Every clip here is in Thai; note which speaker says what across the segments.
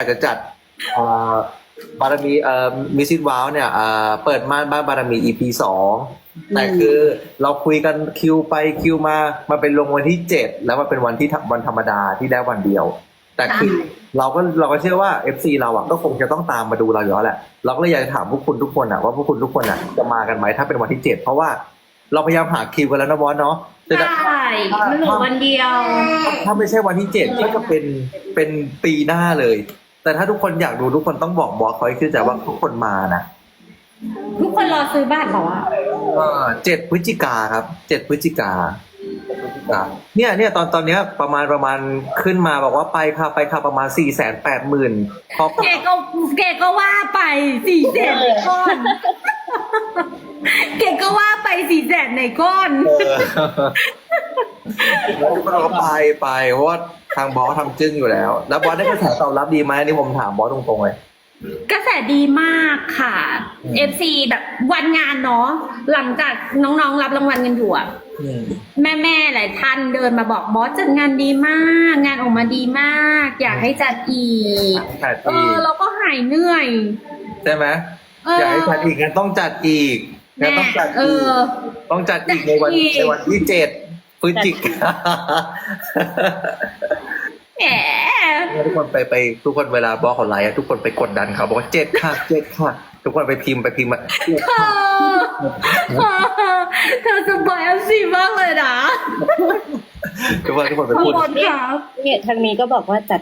Speaker 1: ากจะจัดเอ่อบารมีมิสซิสว้าวเนี่ยเปิดม่านบ้านบารมี EP 2แต่คือเราคุยกันคิวไปคิวมาเป็นลงวันที่7แล้วมันเป็นวันธรรมดาที่ได้วันเดียว แต่คือเราก็เชื่อว่า FC เราอ่ะก็คงจะต้องตามมาดูเราอยู่แล้วแหละเราก็เลยอยากจะถามพวกคุณทุกคนอ่ะว่าพวกคุณทุกคนอ่ะจะมากันไหมถ้าเป็นวันที่7เพราะว่าเราพยายามหาคิวกันแล้วนะบอสเนาะ
Speaker 2: ใช่มันเหลือวันเดียว
Speaker 1: ถ้าไม่ใช่วันที่7ก็จะเป็นปีหน้าเลย แต่ถ้าทุกคนอยากดูทุกคนต้องบอกบอสเขาให้ขึ้นใจว่าทุกคนมานะ
Speaker 2: ทุกคนรอซื้อบ้านเหรอวะ
Speaker 1: 7 พฤศจิกาครับ7 พฤศจิกาเนี่ยตอนเนี้ยประมาณขึ้นมาบอกว่าไปค่ะประมาณ480,000พอ
Speaker 2: แกก็ว่าไป400,000ในก้อนแกก็ว่าไป400,000ในก้อน
Speaker 1: แล้วทุกคนก็ไปเพราะว่าทางบอสทำจึ้งอยู่แล้วบอสได้กระแสตอบรับดีไหมอันนี่ผมถามบอสตรงๆเลย
Speaker 2: กระแสดีมากค่ะ FC แบบวันงานเนาะหลังจากน้องๆรับรางวัลกันอยู่อะแม่หลายท่านเดินมาบอกบอสจัดงานดีมาก งานออกมาดีมาก อยากให้จัดอีกเราก็หายเหนื่อย
Speaker 1: ใช่ไหมอยากให้จัดอีกงั้นต้องจัดอีกงั้นต้องจัดอีกต้องจัดอีกในวันที่7 พฤศจิกา
Speaker 2: แหม
Speaker 1: ทุกคนไปทุกคนเวลาบอสเขาไลฟ์ทุกคนไปกดดันเขาบอกว่า7 ค่ะ 7 ค่ะ ทุกคนไปพิมพ์มา
Speaker 2: เธอสบายFC มากเลยนะ
Speaker 1: ทุกคนไป
Speaker 2: ขอบ
Speaker 1: พูด
Speaker 2: คุณครับ
Speaker 3: เนี่ยทางนี้ก็บอกว่าจัด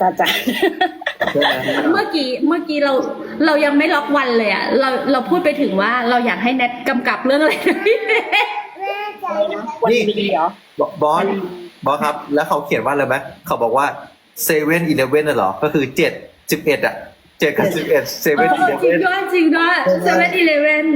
Speaker 2: เมื่อกี้เรายังไม่ล็อกวันเลยอะเราพูดไปถึงว่าเราอยากให้แนทกำกับเรื่องอะไรนะพี่เนท
Speaker 3: วันดีเหรอบ
Speaker 1: อสครับ แล้วเขาเขียนว่าอะไรไหมเขาบอกว่า7-11น่ะเหรอก็คือ7-11อ่ะ7 กับ 11
Speaker 2: จริง
Speaker 1: 7-11
Speaker 2: ด้วยจริงด้วย7-11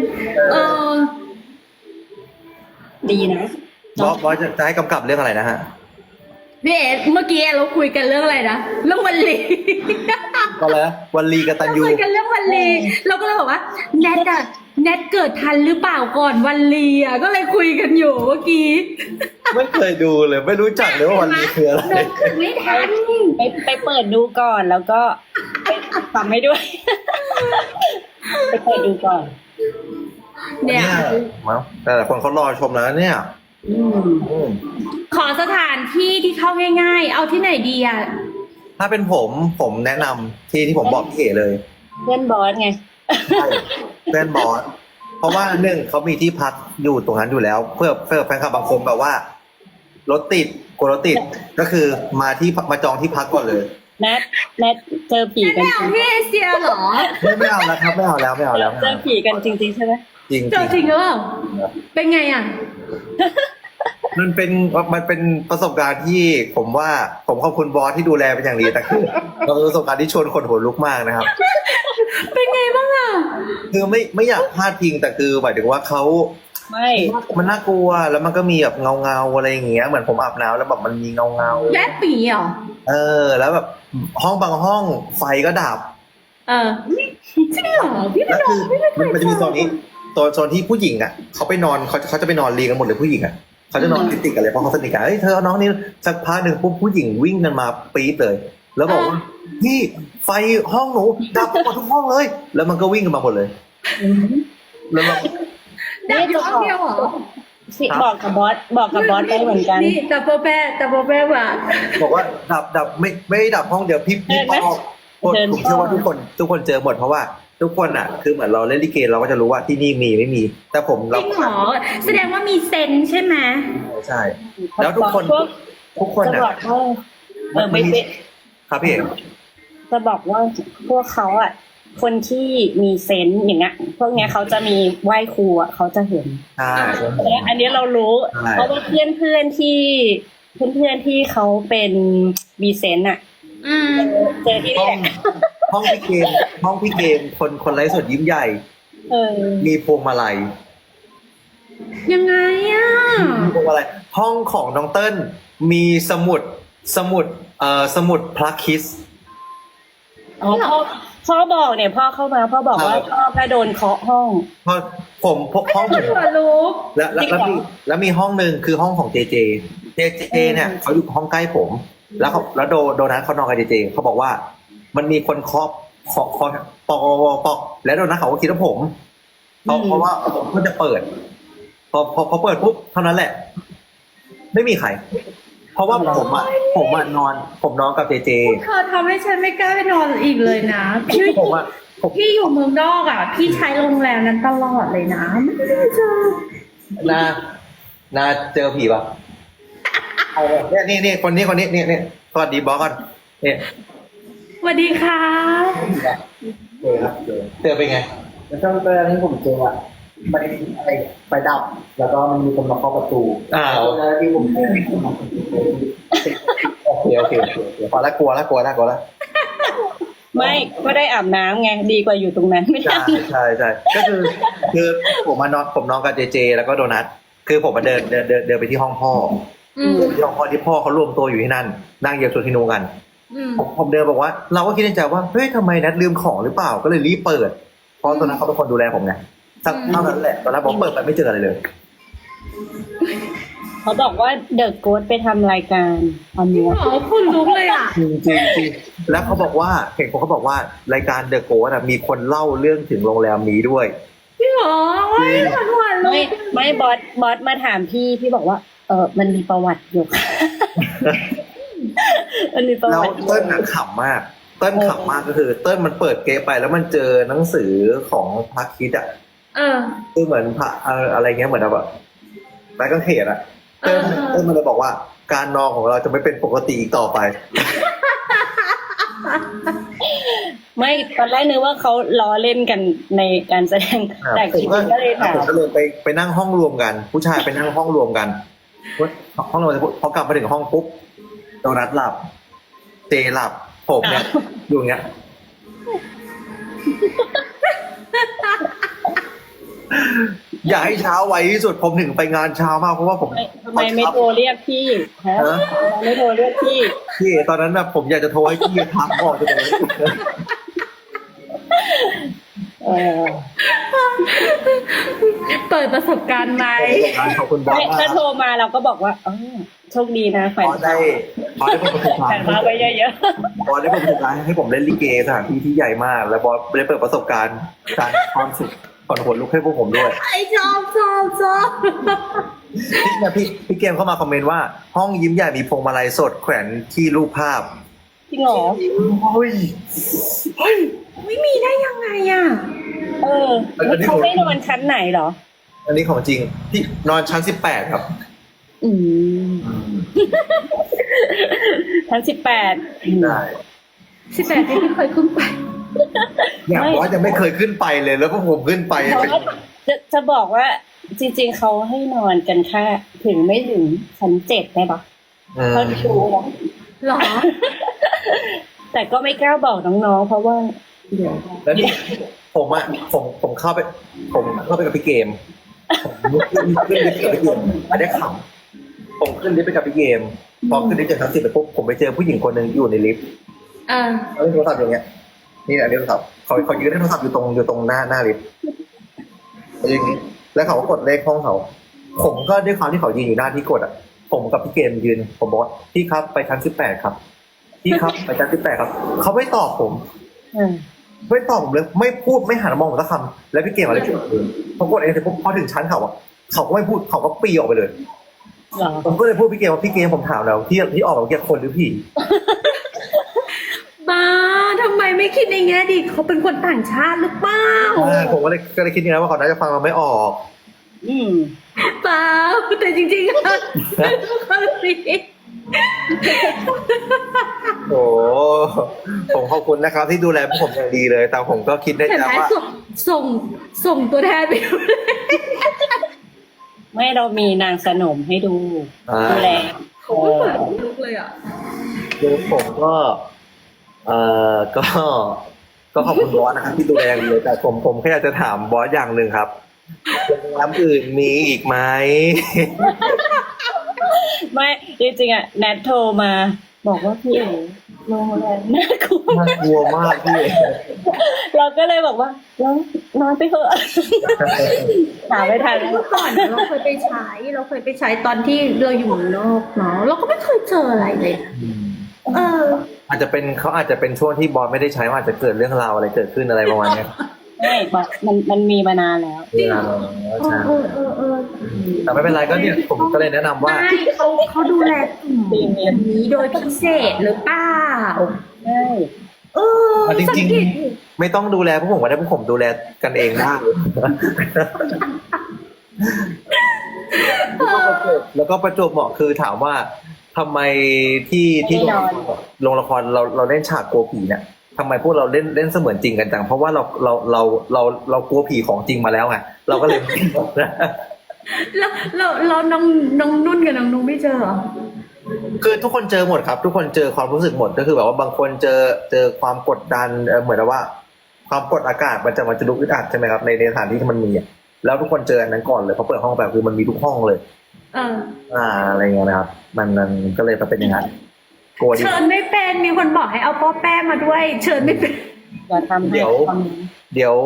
Speaker 3: ดีนะ
Speaker 1: บอสจะให้กำกับเรื่องอะไรนะฮะ
Speaker 2: พี่เอ๋เมื่อกี้เราคุยกันเรื่องอะไรนะเรื่องวันลี
Speaker 1: ก็แล้ววันลีกตัญญู
Speaker 2: คุยกันเรื่องวันลีเราก็เลยบอกว่าแนทเกิดทันหรือเปล่าก่อนวันลีอ่ะก็เลยคุยกันอยู่เมื่อกี้
Speaker 1: ไม่เคยดูเลยไม่รู้จักเลยว่าวันลีคืออะไร
Speaker 2: ไม่ทัน
Speaker 3: ไปเปิดดูก่อนแล้วก็ไปทำให้ด้วย ไปเปิดดูก่อน
Speaker 2: เนี่ย
Speaker 1: มั้งแต่คนเขารอชมแล้วเนี่ย
Speaker 2: ขอสถานที่ที่เข้าง่ายๆ เอาที่ไหนดีอ่ะ
Speaker 1: ถ้าเป็นผมแนะนำที่ผมบอกพี่เอ๋เลย
Speaker 3: เพื่อนบอสไง
Speaker 1: ใช่เพื่อนบอสเพราะว่า1เขามีที่พักอยู่ตรงนั้นอยู่แล้ว เพื่อแฟนคลับบางคนแบบว่ารถติดกลัวรถติดก็คือมาจองที่พักก่อนเลย
Speaker 3: แนทเจอผีกัน
Speaker 2: ไม่เอาพี่เอเชียเหรอ
Speaker 1: ไม่เอาแล้วครับไม่เอาแล้ว
Speaker 3: เจอผีกันจริงๆใช่ไหม
Speaker 1: จริง
Speaker 2: เจอจริงหรือเปล่าเป็นไงอ่ะ
Speaker 1: มันเป็นประสบการณ์ที่ผมว่าผมขอบคุณบอสที่ดูแลเป็นอย่างดีแต่คือมันเป็นประสบการณ์ที่ชวนคนหัวลุกมากนะครับ
Speaker 2: เป็นไงบ้างอ่ะ
Speaker 1: คือไม่อยากพลาดพิงแต่คือหมายถึงว่าเขา
Speaker 3: ไม่
Speaker 1: มันน่ากลัวแล้วมันก็มีแบบเงาอะไรอย่างเงี้ยเหมือนผมอาบน้ำแล้วแบบมันมีเงา
Speaker 2: แย่ปีเหรอ
Speaker 1: แล้วแบบห้องบางห้องไฟก็ดับ
Speaker 2: จริงเหรอพี่ไม่
Speaker 1: แล้ว
Speaker 2: โด
Speaker 1: คื
Speaker 2: น
Speaker 1: อ
Speaker 2: พี่ไม่เค
Speaker 1: มัน
Speaker 2: ย
Speaker 1: มันจะมีโซนนี้โซนที่ผู้หญิงอ่ะเขาไปนอนเขาจะไปนอนเรียงกันหมดเลยผู้หญิงอ่ะเขาจะนอนติดกันเลยเพราะเขาสนิทกันเฮ้ยเธอเอาน้องนี่สักพักหนึ่งปุ๊บผู้หญิงวิ่งกันมาปี๊ดเลย แล้วบอกว่าพี่ไฟห้องหนูดับหมดทุกห้องเลย แล้วมันก็วิ่งกันมาหมดเลยแล้วเรา
Speaker 2: ดับอยู่ห้องเดียวเหรอ
Speaker 3: บอกกับบอสไปเหมือนกัน
Speaker 2: นี่แต่โปรแปรว่ะ
Speaker 1: บอกว่าดับไม่ได้ดับห้องเดียวพี่ปอกผมเชื่อว่าทุกคนเจอหมดเพราะว่าทุกคนอ่ะคือเหมือนเราเล่นลิเกเราก็จะรู้ว่าที่นี่มีไม่มี แต่ผม
Speaker 2: จริงเหรอแสดงว่ามีเซนใช่ไหม
Speaker 1: ใช่ แล้วทุกคน
Speaker 3: จะ
Speaker 1: อ่ะ
Speaker 3: บอกว่าไม่เป็น
Speaker 1: ครับพี่เอก
Speaker 3: จะบอกว่าพวกเขาอ่ะ คนที่มีเซนส์อย่างเงี้ยพวกเนี้ยเขาจะมีไหว้ครูอ่ะเขาจะเห็น
Speaker 1: ใช่
Speaker 3: และอันนี้เรารู้ เพราะว่าเพื่อนที่เขาเป็นมีเซนส์อ่ะเจอที่
Speaker 1: ห้
Speaker 3: นี่
Speaker 1: อง
Speaker 3: แหละ
Speaker 1: ห้องพี่เกมคนไร้สดยิ้มใหญ่ มีพวงมาลัย
Speaker 2: ยังไงอ่ะ
Speaker 1: มีพวงมาลัยห้องของน้องเติ้ลมีสมุดพระคิส
Speaker 3: อ๋อพ่อบอกเนี่ยพ่อเข้ามาพ่อบอกว่าพ่อก็โดนเคาะห้อง
Speaker 1: เพราะผมห้องผม
Speaker 2: หัวลุก
Speaker 1: แล้วมีห้องหนึ่งคือห้องของเจเจเนี่ยเขาอยู่ห้องใกล้ผม แล้วโดนัทเขานอนกับเจเจเขาบอกว่ามันมีคนเคาะปอกแล้วโดนัทเขาก็คิดว่าผมเพราะว่าผมก็จะเปิด พอเปิดปุ๊บเท่านั้นแหละ ไม่มีใคร เพราะว่าผมนอนกับเจเจ
Speaker 2: เธอทำให้ฉันไม่กล้าไปนอนอีกเลยนะ พี่
Speaker 1: ผมอะ
Speaker 2: พี่อยู่เมืองนอกอ่ะ พี่ใช้โรงแรมนั้นตลอดเลยนะไม่ได้เจอ
Speaker 1: นาเจอผีปะเอาเลยนี่คนนี้นี่สวัสดีบอสก่อนเนี่ย
Speaker 2: สวัสดีค่ะ
Speaker 1: เจอเป็นไง
Speaker 4: แล้วช่วงแรกที่ผมเจออะมันอะไรไฟดับ แล้วก็มันมีคนมาเคาะประตู
Speaker 1: อ้าว
Speaker 4: ช่วงแรกที่ผมเจอที่คนมาเคาะประตู
Speaker 1: โอเคพอแล้วกลัวแล้ว
Speaker 3: ไม่ก็ได้อาบน้ำไงดีกว่าอยู่ตรงนั้นไม่ได้
Speaker 1: ใช่ก็คือผมนอนกับเจเจแล้วก็โดนัทคือผมมาเดินไปที่ห้องพ่อ
Speaker 2: อืม
Speaker 1: ที่ห้องพ่อที่พ่อเขารวมตัวอยู่ที่นั่นนั่งเหยียบโซทิโนกัน
Speaker 2: อืม
Speaker 1: ผมเดินบอกว่า เราก็คิดในใจว่าเฮ้ยทำไมนัทลืมของหรือเปล่าก็เลยรีบเปิดเพราะตอนนั้นเขาเป็นคนดูแลผมไงสักเท่านั้นแหละตอนนั้นผมเปิดไปไม่เจออะไรเลย
Speaker 3: เขาบอกว่าเดอะโกสไปทำรายการตอนนี้
Speaker 2: อ๋อคุณลุกเลยอ่ะ
Speaker 1: จริงแล้วเขาบอกว่าเห็นเขาบอกว่ารายการเดอะโกสมีคนเล่าเรื่องถึงโรงแรมนี้ด้วย
Speaker 2: พี่หรอว้ายหวานๆเล
Speaker 3: ไม่
Speaker 2: ย
Speaker 3: ไม่บอสมาถามพี่บอกว่ามันมีประวัติอยู่ มันมีประ
Speaker 1: แล้ว
Speaker 3: วัติอยู่
Speaker 1: เติ้ลน่ะขำมากเติ้ลขำมากก็คือ เติ้ลมันเปิดเกมไปแล้วมันเจอหนังสือของพระคริสต์อ่ะ
Speaker 2: เออ
Speaker 1: คือเหมือนพระอะไรเงี้ยเหมือนแบบไม้กางเขนอ่ะเติ้ลมันเลยบอกว่าการนอนของเราจะไม่เป็นปกติอีกต่อไป
Speaker 3: ไม่ตอนแรกนึกว่าเขาล้อเล่นกันในการแสดงแต่จริงๆก็เลยถาม
Speaker 1: ผมก็เลยไปนั่งห้องรวมกัน ผู้ชายไปนั่งห้องรวมกันห้องรวมกันพอกลับมาถึงห้องปุ๊บโดนัทหลับเจหลับผมเนี่ยอยู่อย่างเงี้ย อย่าให้เช้าไวที่สุดผมถึงไปงานเช้ามากเพราะว่าผม
Speaker 3: ทำไมไม่โทรเรียกพี่ฮะทำไมไม่โทรเรียกพี่
Speaker 1: พี่ตอนนั้นนะผมอยากจะโทรให้พี่ทักออกจากตรงนี้
Speaker 3: เออ
Speaker 2: เปิดประสบการณ์ไหม
Speaker 1: ขอบคุณบอส
Speaker 3: ไม่
Speaker 1: มาก
Speaker 3: ถ้าโทรมาเราก็บอกว่าโชคดีนะแขว
Speaker 1: บอน สได้ผมประสบการ
Speaker 3: แขวน
Speaker 1: ณ์
Speaker 3: มาไปเยอะ
Speaker 1: บอสได้ผมประสบการณ์ให้ผมเล่นลิเกสถานที่ที่ใหญ่มาก แล้วบอสได้เปิดประสบการณ์การความสุขก่อนหัวลุกให้พวกผมด้วย
Speaker 2: ไอชอบ
Speaker 1: พี่เกมเข้ามาคอมเมนต์ว่าห้องยิ้มใหญ่มีพวงมาลัยสดแขวนที่รูปภาพ
Speaker 3: ๆจริงเหรอ
Speaker 1: เฮ้ย
Speaker 2: ไม่มีได้ยังไงอ่ะ
Speaker 3: เขาไม่นอนชั้นไหนเหรอ
Speaker 1: อันนี้ของจริงพี่นอนชั้น18ครับ
Speaker 3: อืมชั้น18
Speaker 1: ได้
Speaker 2: 18ที่ไม่เคยขึ้นไป
Speaker 1: เนี่ยบอสยังไม่เคยขึ้นไปเลยแล้วพวกผมขึ้นไป
Speaker 3: เพราะว่าจะบอกว่าจริงๆเขาให้นอนกันแค่ถึงไม่ถึงชั้น7ได้ปะเขาดูนะ
Speaker 2: หรอ
Speaker 3: แต่ก็ไม่กล้าบอกน้องๆเพราะว่าเดี๋ยว
Speaker 1: แล้วนี่ผมเข้าไปกับพี่เกมผมขึ้นลิฟต์กับพี่เกมอันนี้ขำผมขึ้นลิฟต์ไปกับพี่เกมพอขึ้นลิฟต์จากชั้น10ไปปุ๊บผมไปเจอผู้หญิงคนหนึ่งอยู่ในลิฟต์ เขาเล่นโทรศัพท์อย่างเงี้ยนี่แหละเล่นโทรศัพท์เขายืนเล่นโทรศัพท์อยู่ตรงหน้าลิฟต์อย่างงี้แล้วเขาก็กดเลขห้องเขาผมก็ด้วยความที่เขายืนอยู่หน้าที่กดอ่ะผมกับพี่เกมยืนผมบอกว่าพี่ครับไปชั้น18ครับพี่ครับไปชั้น18ครับเขาไม่ตอบผม ไม่ตอบผมเลยไม่พูดไม่หันมามองผมสักคำแล้วพี่เกมอะไรพอกดเองเสร็จปุ๊บพอถึงชั้นเขาอ่ะเขาก็ไม่พูดเขาก็ปีออกไปเลย
Speaker 3: เหรอ
Speaker 1: ผมก็เลยพูดพี่เกมว่าพี่เกมผมถามแล้วที่ออกมาเมื่อกี้คนหรือผี
Speaker 2: บ้าทำไมไม่คิดในแง่ดีเขาเป็นคนต่างชาติหรือเปล่า
Speaker 1: ผมก็เลยคิดอย่างนั้นว่าเขาน่าจะฟังเราไม่ออก
Speaker 3: อืม
Speaker 2: เปล่าแต่จริงๆอะเขาสิ
Speaker 1: โอ้ผมขอบคุณนะครับ ที่ดูแลพวกผมอย่างดีเลย แต่ผมก็คิดได้
Speaker 2: เห็น
Speaker 1: แต่
Speaker 2: ไหม
Speaker 1: ว่า
Speaker 2: ส่งตัวแทนไปดูเลย
Speaker 3: ไม่เรามีนางสนมให้ดูดูแล
Speaker 2: เขาไม่เหมือนลุกเลยอ่ะ
Speaker 1: คือผมก็ก็ขอบคุณบอสนะครับที่ดูแลอย่างดีเลยแต่ผมแค่อยากจะถามบอสอย่างหนึ่งครับโรงแรมอื่นมีอีกไหม
Speaker 3: ไม่จริงๆอ่ะแนทโทรมาบอกว่าพี่เอ๋โรงแรมน่ากลัว
Speaker 1: น่ากลัวมากพี่
Speaker 3: เราก็เลยบอกว่าแล้วนอนไปเถอะหาไม่ทันแล้ว
Speaker 2: เมื่อก่อนเราเคยไปใช้ตอนที่เราอยู่เมืองนอกเนาะเราก็ไม่เคยเจออะไรเลย เออ
Speaker 1: อาจจะเป็นเขาอาจจะเป็นช่วงที่บอสไม่ได้ใช้อาจจะเกิดเรื่องราวอะไรเกิดขึ้นอะไรประมาณเนี้ย
Speaker 3: ไม่บอกมันมีมานานแล้ว
Speaker 1: เวลาเราใช่แต่ไม่เป็นไรก็เนี่ยผมก็เลยแนะนำว่า
Speaker 2: ไม่เขาดูแลกลุ่มนี้โดยพิเศษหรือเปล่า
Speaker 3: ใช่
Speaker 2: เออ
Speaker 1: จริง
Speaker 2: สัเกต
Speaker 1: ๆ ไม่ต้องดูแลพวกผมก็ได้พวกผมดูแลกันเองได้แล้วก็ประจวบเหมาะคือถามว่าทำไมที่โรงละครเราเล่นฉากกลัวผีเนี่ยทำไมพวกเราเล่นเสมือนจริงกันจังเพราะว่าเรากลัวผีของจริงมาแล้วไงเราก็เลย
Speaker 2: แล้วน้องนุ่นกับน้องนุ้งไม่เจอเหรอ
Speaker 1: คือทุกคนเจอหมดครับ ทุกคนเจอความรู้สึกหมดก็คือแบบว่าบางคนเจอความกดดันเหมือนว่า ความกดอากาศมันจะลุกอึดอัดใช่ไหมครับในสถานที่ที่มันมีแล้วทุกคนเจออันนั้นก่อนเลยเขาเปิดห้องแบบคือมันมีทุกห้องเลย อะไรเงี้ยนะครับมันก็เลยเป็นอย่างนั้นกลัวดิ
Speaker 2: เชิญไม่เป็นมีคนบอกให้เอาป้อแป้มาด้วย เชิญไม่เป็น
Speaker 3: อย่าทำให้
Speaker 1: เดี๋ยว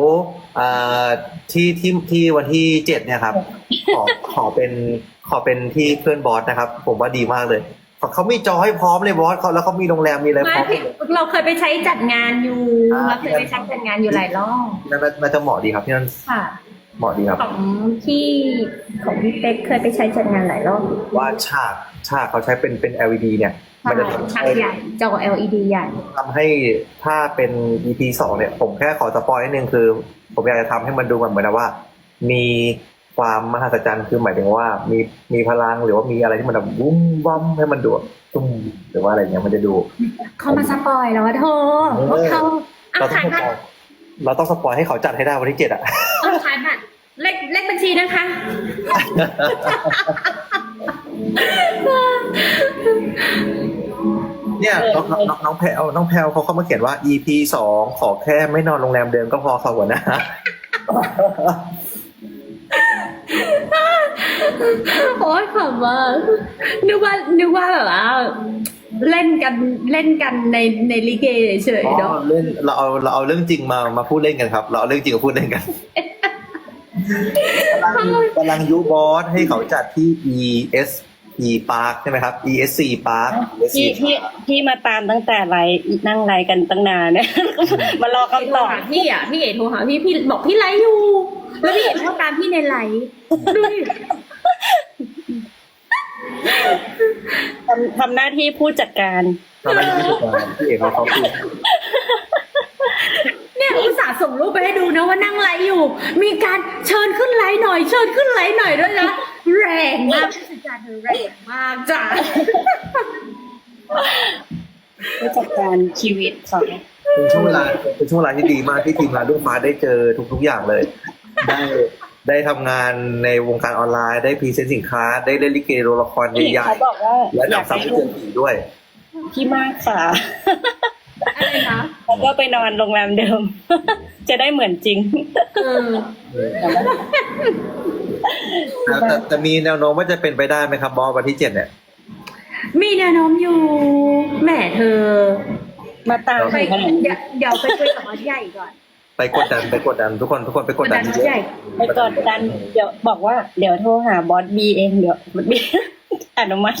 Speaker 1: ที่วันที่7เนี่ยครับขอเป็นที่เพื่อนบอสนะครับ ผมว่าดีมากเลยเขามีจอให้พร้อมเลยบอสเขาแล้วเขามีโรงแรมมีอะไรพร้อม
Speaker 2: เราเคยไปใช้จัดงานอยู่เราเคยไปใช้จัดงานอยู่หลายรอบ
Speaker 1: น่าจะเหมาะดีครับที่นั่น
Speaker 2: ค่ะ
Speaker 1: เหมาะดีครับ
Speaker 2: ของพี่เป๊กเคยไปใช้จัดงานหลายรอบ
Speaker 1: ว่าฉากเขาใช้เป็น LED เนี่ยมันจะ
Speaker 2: ฉากใหญ่จอ LED ใหญ่
Speaker 1: ทำให้ถ้าเป็น EP 2เนี่ยผมแค่ขอสปอยนิดนึงคือ ผมอยากจะทำให้มันดูเหมือนว่า มีความมหัศจรรย์คือหมายถึงว่ามีพลังหรือว่ามีอะไรที่มันแบบวุ้มวั้มให้มันดูตุ้มหรือว่าอะไรเงี้ยมันจะดู
Speaker 2: เขามาสปอยแล้วว่าโทพวกเขา
Speaker 1: เราต้องสปอยเราต้องสปอยให้เขาจัดให้ได้วันที่7อ่ะ
Speaker 2: ขายบัตรเลขบัญชีนะคะ
Speaker 1: เนี่ยน้องแพลวเขาเข้ามาเขียนว่า EP 2ขอแค่ไม่นอนโรงแรมเดิมก็พอค่ะหัวหน้า
Speaker 2: โอ๊ยขำมากนึกว่าแบบว่าเล่นกันในลิเกเฉยๆเนาะ
Speaker 1: เล่นเราเอาเรื่องจริงมาพูดเล่นกันครับ เราเอาเรื่องจริงมาพูดเล่นกันกำลังยุบอสให้เขาจัดที่ ESP Park ใช่ไหมครับ ESC Park
Speaker 3: ที่มาตามตั้งแต่นั่งไลฟ์กันตั้งนานเนี่ยมารอคำตอบ
Speaker 2: พี่เอ๋โทรหาพี่บอกพี่ไลฟ์อยู่ แล้วพี่เอ๋โทรตามพี่ในไลฟ์ดูดิ
Speaker 3: ทำหน้าที่ผู้จัดการ
Speaker 1: ทำไมไม่ถูกกันพี่เอกเขาพูด
Speaker 2: เนี่ยอุตส่าห์ส่งรูปไปให้ดูนะว่านั่งไลฟ์อยู่ มีการเชิญขึ้นไลฟ์หน่อยด้วยนะแรงมากผู้จัดการเธอแรงมากจ้ะ
Speaker 3: ผู้จัดการชีวิตเขา
Speaker 1: เป็นช่วงเวลาที่ดีมากที่ทีมงานลูกฟ้าได้เจอทุกอย่างเลย ได้ทำงานในวงการออนไลน์ได้พรีเซนต์สินค้าได้เล่นลิเกโรงละครใหญ่
Speaker 3: เขาบอกว่า
Speaker 1: ๆและ
Speaker 3: อยาก
Speaker 1: นำซ้ำ
Speaker 3: ให้
Speaker 1: เจอผีด้วย
Speaker 3: พี่มากค่ะ
Speaker 2: อะไรนะ
Speaker 3: แล้วก็ไปนอนโรงแรมเดิม จะได้เหมือนจริง
Speaker 1: แต่มีแนวโน้มว่าจะเป็นไปได้ไหมครับบอสวันที่7เนี่ย
Speaker 2: มีแนวโน้มอยู่แหมเธอ
Speaker 3: มาตาม
Speaker 2: ไป
Speaker 3: ขนาดนี้
Speaker 2: เดี๋ยวไปคุยกับวัดใหญ่ก่อน
Speaker 1: ไปกดดันทุกคนไปกดดัน
Speaker 2: วัดใหญ่
Speaker 3: ไปกดดันเดี๋ยวบอกว่าเดี๋ยวโทรหาบอสบีเองเดี๋ยวบอสบี อนุมัติ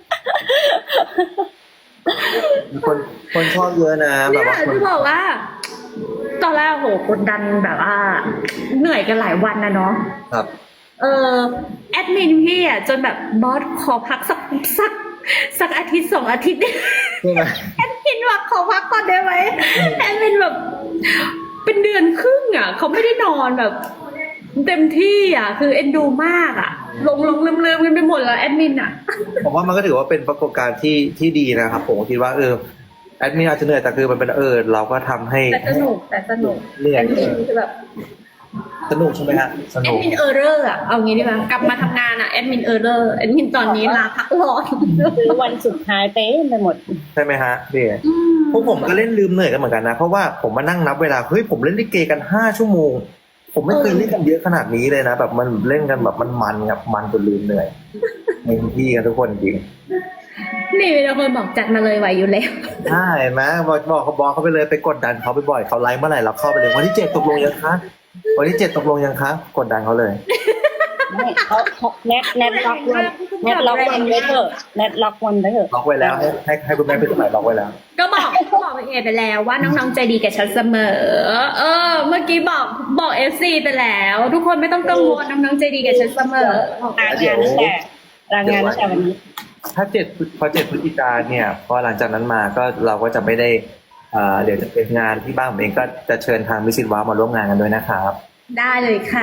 Speaker 1: คนชอบเยอะนะแบบ
Speaker 2: เนี่ย
Speaker 1: ว่าคน
Speaker 2: จะบอกว่า ตอนแรกโหกดดันแบบว่า เหนื่อยกันหลายวันนะเนาะ
Speaker 1: ครับ
Speaker 2: แอดมินพี่อ่ะจนแบบบอสขอพักสักอาทิตย์2 อาทิตย์
Speaker 1: ใช่ไหม
Speaker 2: แอดมินว่าขอพักก่อนได้ไหมแอดมินแบบเป็นเดือนครึ่งอ่ะเขาไม่ได้นอนแบบ เต็มที่อ่ะ คือเอ็นดูมากอ่ะลงลืมกันไปหมดแล้วแอดมินอ่ะ
Speaker 1: ผมว่ามันก็ถือว่าเป็นปรากฏการณ์ที่ดีนะครับผมคิดว่าแอดมินอาจจะเหนื่อยแต่คือมันเป็นเราก็ทำให้
Speaker 2: แต่สนุก
Speaker 1: เหนื่อย
Speaker 2: แอดมินคือแบบ
Speaker 1: สนุกใช่ไหมฮะส
Speaker 2: แอ
Speaker 1: นุ
Speaker 2: ด
Speaker 1: ก
Speaker 2: มินเออร์เรอร์อ่ะเอางี้ดีกว่ากลับมาทำงานอ่ะแอดมินเออร์เรอร์แอดมินตอนนี้ลาพักร้อน
Speaker 3: คือวันสุดท้ายเต้ไปหมด
Speaker 1: ใช่ไหมฮะพี่พวกผมก็เล่นลืมเหนื่อยกันเหมือนกันนะเพราะว่าผมมานั่งนับเวลาเฮ้ยผมเล่นลิเกกัน5 ชั่วโมงผมไม่เคยเล่นกันเยอะขนาดนี้เลยนะแบบมันเล่นกันแบบมันแบบมันจนลืมเหนื่อยเต็มที่กันทุกคนจริง
Speaker 2: นี่มีคนบอกจัดมาเลยไหวอยู่แล้ว
Speaker 1: ใช่ไหมบอกเขาไปเลยไปกดดันเขาไปบ่อยเขาไลฟ์เมื่อไหร่เราเข้าไปเลยวันที่7ตกลงยังคะวันที่7ตกลงยังคะกดดันเขาเลย
Speaker 3: ไม่เขาแนทล็อกวันไว้เถอะแนทล็อกวันไว้เถอะ
Speaker 1: ล็อกไว้แล้วให้คุณแม่พี่สมัยล็อกไว้แล้ว
Speaker 2: ก็บอกเอไปแล้วว่าน้องๆใจดีกับฉันเสมอ เมื่อกี้บอกเอฟซีไปแล้ว ทุกคนไม่ต้องกังวลน้องๆใจดีกับฉันเสมอ
Speaker 3: รายงานตั้งแต่วันนี้
Speaker 1: ถ้าพอ7 พฤศจิกาเนี่ยพอหลังจากนั้นมาก็เราก็จะไม่ได้เดี๋ยวจะเป็นงานที่บ้านผมเองก็จะเชิญทางมิสซิสว้าวมาร่วมงานกันด้วยนะครับ
Speaker 2: ได้เลยค่ะ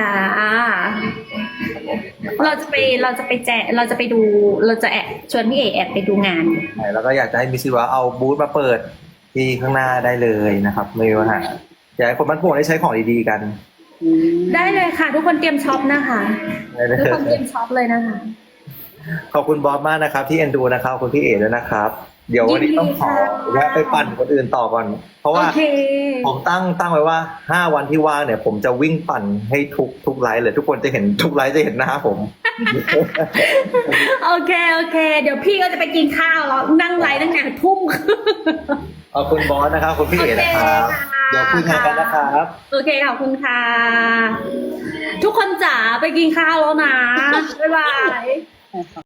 Speaker 2: เราจะไปดูเราจะแอบชวนพี่เอแอบไปดูงาน
Speaker 1: แล้วก็อยากจะให้มิสซิสว้าวเอาบูธมาเปิดที่ข้างหน้าได้เลยนะครับไม่ว่าอยากให้คนบ้านโป่งได้ใช้ของดีๆกัน
Speaker 2: ได้เลยค่ะ ทุกคนเตรียมช็อปนะคะ
Speaker 1: ได้เลย
Speaker 2: ทุกคนเตรียมช็อปเลยนะคะ
Speaker 1: ขอบคุณบอสมากนะครับที่เอ็นดูนะครับขอบคุณพี่เอ๋ด้วยนะครับเดี๋ยววันนี้ต้องขอแวะไปปั่นคนอื่นต่อก่อนเพราะว่า
Speaker 2: โอเค
Speaker 1: ผมตั้งไว้ว่า5 วันที่ว่างเนี่ยผมจะวิ่งปั่นให้ทุกไลฟ์เลยทุกคนจะเห็นทุกไลฟ์จะเห็นหน้าผม
Speaker 2: โอเค เดี๋ยวพี่ก็จะไปกินข้าวแล้วนั่งไลฟ์ตั้งแต่ทุ่ม
Speaker 1: ขอบคุณบอสนะครับขอบคุณพี่เอ๋นะครับ
Speaker 2: โอเคค่ะ
Speaker 1: เดี๋ยวคุยงานกันนะครับ
Speaker 2: โอเคขอบคุณค่ะ ทุกคนจ๋าไปกินข้าวแล้วนะ บ๊ายบาย